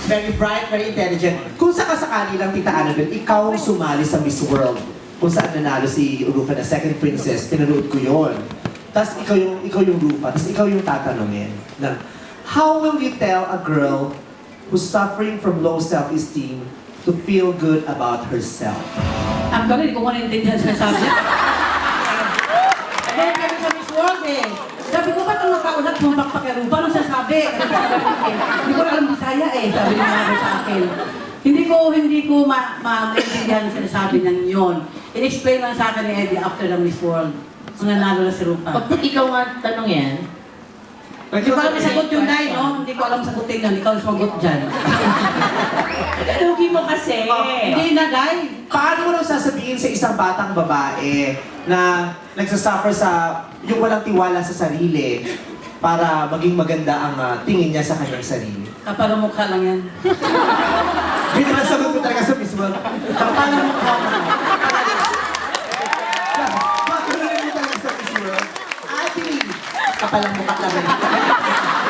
very bright, very intelligent. Kung sakasakali lang, Tita Annabelle, ikaw sumali sa Miss World. Kung saan nanalo si Rufa na second princess, pinanood ko yun. Tapos ikaw yung Rufa, tapos ikaw yung tatanungin na, how will you tell a girl who's suffering from low self-esteem to feel good about herself? Actually, hindi ko manintindihan sa sabi niya. Dahil kami sa Miss World eh. Sabi ko, ba't ang nakaulat mo magpakirupa? Anong sasabi? Hindi ko alam Bisaya eh. Sabi niya nga sa akin. Hindi ko maintindihan sa sinasabi niya yun. In-explain lang sa akin ni Eddie after ng Miss World. Kung nanalo na si Rupa. Pag ikaw nga tanong yan, Hindi ko alam sagot yung Day, no? Hindi ko alam sagutin yun. Ikaw ang sumagot dyan. lugi mo kasi. Hindi na, Day. Paano mo nang sasabihin sa isang batang babae na nagsasuffer sa yung walang tiwala sa sarili para maging maganda ang tingin niya sa kanyang sarili? Kapag ang mukha lang yan. Hindi naman sagot mo talaga sa Miss World. Kapag ang mukha mo. Bakit mo talaga sa Miss World? Ate, kapalang mukha lang.